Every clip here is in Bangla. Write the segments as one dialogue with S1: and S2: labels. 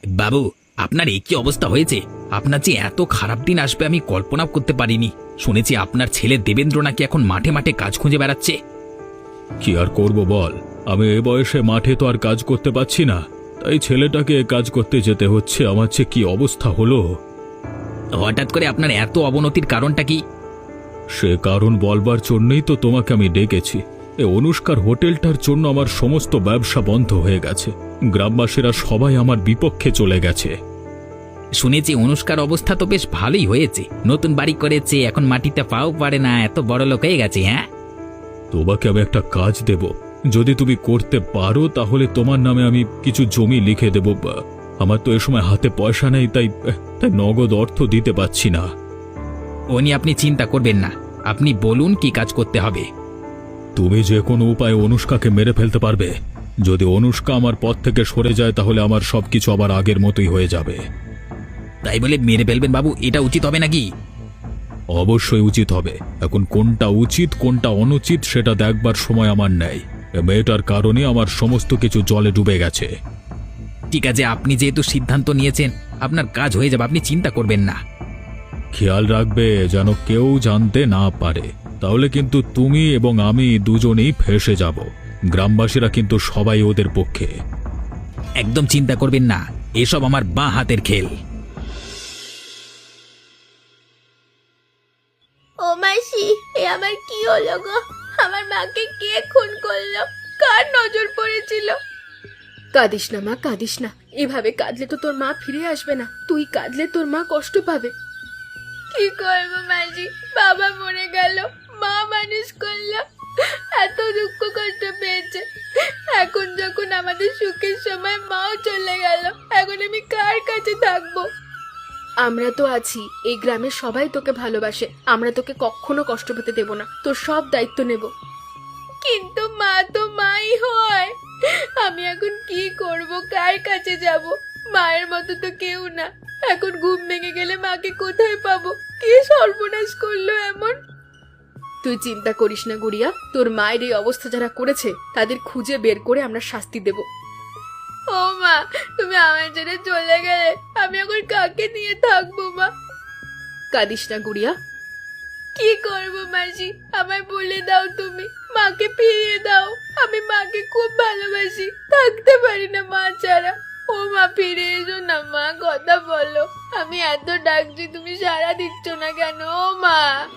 S1: বাবু, আপনার এই কি অবস্থা হয়েছে? আপনার যে এত খারাপ দিন আসবে আমি কল্পনা করতে পারিনি। শুনেছি আপনার ছেলে দেবেন্দ্র নাকি এখন মাঠে মাঠে কাজ খুঁজে বেড়াচ্ছে।
S2: কি আর করব বল, আমি এ বয়সে মাঠে তো আর কাজ করতে পারছি না, তাই ছেলেটাকে কাজ করতে যেতে হচ্ছে। আমার যে কি অবস্থা হলো!
S1: হঠাৎ করে আপনার এত অবনতির কারণটা কি?
S2: সে কারণ বলবার জন্যই তো তোমাকে আমি ডেকেছি। এ অনুষ্কার হোটেলটার জন্য আমার সমস্ত ব্যবসা বন্ধ হয়ে গেছে। গ্রামবাসীরা সবাই আমার বিপক্ষে চলে গেছে।
S1: শুনেছি অনুষ্কার অবস্থা তো বেশ ভালোই হয়েছে, নতুন বাড়ি করেছে, এখন মাটিতে পাও পারে না, এত বড় লোক হয়ে গেছে। হ্যাঁ,
S2: তোমাকে আমি একটা কাজ দেব, যদি তুমি করতে পারো তাহলে তোমার নামে আমি কিছু জমি লিখে দেব। আমার তো এ সময় হাতে পয়সা নেই, তাই তাই নগদ অর্থ দিতে পারছি না।
S1: ও নিয়ে আপনি চিন্তা করবেন না, আপনি বলুন কি কাজ করতে হবে।
S2: তুমি যে কোনো উপায়ে অনুষ্কাকে মেরে ফেলতে পারবে। যদি অনুষ্কা আমার পথ থেকে সরে যায় তাহলে আমার সবকিছু আবার আগের মতোই হয়ে যাবে।
S1: তাই বলে মেরে ফেলবেন বাবু, এটা উচিত হবে নাকি?
S2: অবশ্যই উচিত হবে। এখন কোনটা উচিত কোনটা অনুচিত সেটা দেখবার সময় আমার নেই। এ মেয়েটার কারণে আমার সমস্ত কিছু জলে ডুবে গেছে।
S1: ঠিক আছে, আপনি যেহেতু সিদ্ধান্ত নিয়েছেন আপনার কাজ হয়ে যাবে, আপনি চিন্তা করবেন না।
S2: খেয়াল রাখবে যেন কেউ জানতে না পারে, তাহলে কিন্তু তুমি এবং আমি দুজনেই ফেঁসে যাব। গ্রামবাসীরা কিন্তু সবাই ওদের পক্ষে।
S1: একদম চিন্তা করবেন না, এসব আমার বাঁ হাতের খেল।
S3: ও মাসি, এ আমার কি হলো গো? আমার মাকে কে খুন করলো? কার নজর পড়েছিল? কাঁদিস না মা, কাঁদিস না। এভাবে কাঁদলে তো তোর মা ফিরে আসবে না। তুই কাঁদলে তোর মা কষ্ট পাবে। কি করবো মাসি, বাবা মরে গেল, মা মানুষ করলো, এত দুঃখ কষ্ট পেয়েছে। এখন যখন আমাদের সুখের সময় মাও চলে গেল, এখন আমি কার কাছে থাকবো? আমরা তো আছি, এই গ্রামের সবাই তোকে ভালোবাসে। আমরা তোকে কখনো কষ্ট পেতে দেব না, তোর সব দায়িত্ব নেব। কিন্তু মা তো মাই হয়। আমি এখন কি করব, কার কাছে যাব? মায়ের মতো তো কেউ না। এখন ঘুম ভেঙে গেলে মাকে কোথায় পাবো? কে সর্বনাশ করলো এমন? তুই চিন্তা করিস না গুড়িয়া, তোর মায়ের এই অবস্থা যারা করেছে তাদের খুঁজে বের করে আমরা শাস্তি দেব। ও মা, তুমি আমার ছেড়ে চলে গেলে আমি এখন কাকে নিয়ে থাকবো মা? কাঁদিস না গুড়িয়া। কি করব মাসি, আমায় বলে দাও তুমি, মাকে ফিরিয়ে দাও। আমি মাকে খুব ভালোবাসি, থাকতে পারি না মা ছাড়া। ও মা, ফিরে এসো না মা, কথা বলো। আমি এত ডাকছি, তুমি সাড়া দিচ্ছ না কেন? ও মা।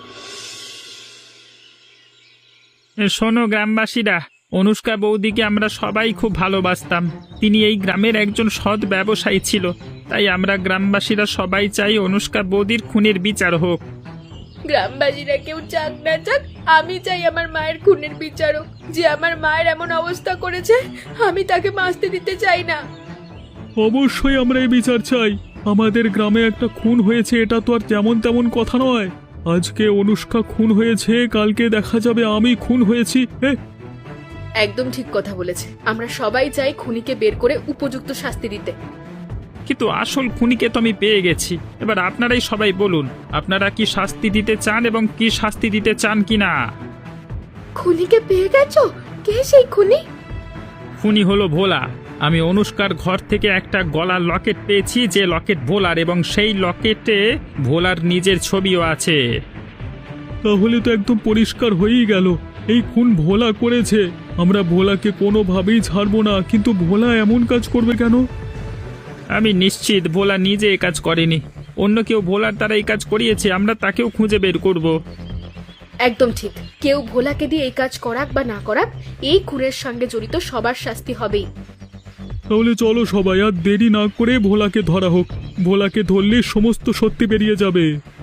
S4: শোনো গ্রামবাসীরা, অনুষ্কা বৌদিকে আমরা সবাই খুব ভালোবাসতাম। তিনি এই গ্রামের একজন সৎ ব্যবসায়ী ছিল, তাই আমরা গ্রামবাসীরা সবাই চাই অনুষ্কা বৌদির খুনের বিচার হোক।
S3: গ্রামবাসীরা কেউ চাক না চাক, আমি চাই আমার মায়ের খুনের বিচার হোক। যে আমার মায়ের এমন অবস্থা করেছে, আমি তাকে বাঁচতে দিতে চাই না।
S2: অবশ্যই আমরা এই বিচার চাই। আমাদের গ্রামে একটা খুন হয়েছে, এটা তো আর যেমন তেমন কথা নয়। আজকে অনুষ্কা খুন হয়েছে, কালকে দেখা যাবে আমি খুন হয়েছি।
S3: একদম ঠিক কথা বলেছে। আমরা সবাই চাই খুনিকে বের করে উপযুক্ত শাস্তি দিতে।
S4: কিন্তু আসল খুনিকে তো আমি পেয়ে গেছি। এবার আপনারাই সবাই বলুন, আপনারা কি শাস্তি দিতে চান এবং কি শাস্তি দিতে চান কিনা।
S3: খুনিকে পেয়ে গেছো? কে সেই খুনি?
S4: খুনি হলো ভোলা। আমি অনুষ্কার ঘর থেকে একটা গলার লকেট পেয়েছি, যে লকেট ভোলার, এবং সেই লকেটে ভোলার নিজের ছবিও আছে।
S2: তাহলে তো একদম পরিষ্কার হয়েই গেল, এই খুন ভোলা করেছে। আমরা ভোলাকে কোনোভাবেই ছাড়বো না, কিন্তু ভোলা এমন কাজ করবে কেন?
S4: আমি নিশ্চিত ভোলা নিজে এই কাজ করেনি, অন্য কেউ ভোলার দ্বারা এই কাজ করিয়েছে। আমরা তাকেও খুঁজে বের করব।
S3: একদম ঠিক। কেউ ভোলাকে দিয়ে এই কাজ করাক বা না করাক, এই খুনের সঙ্গে জড়িত সবার শাস্তি হবেই।
S2: তাহলে চলো সবাই, আর দেরি না করে ভোলাকে ধরা হোক। ভোলাকে ধরলে সমস্ত সত্যি বেরিয়ে যাবে।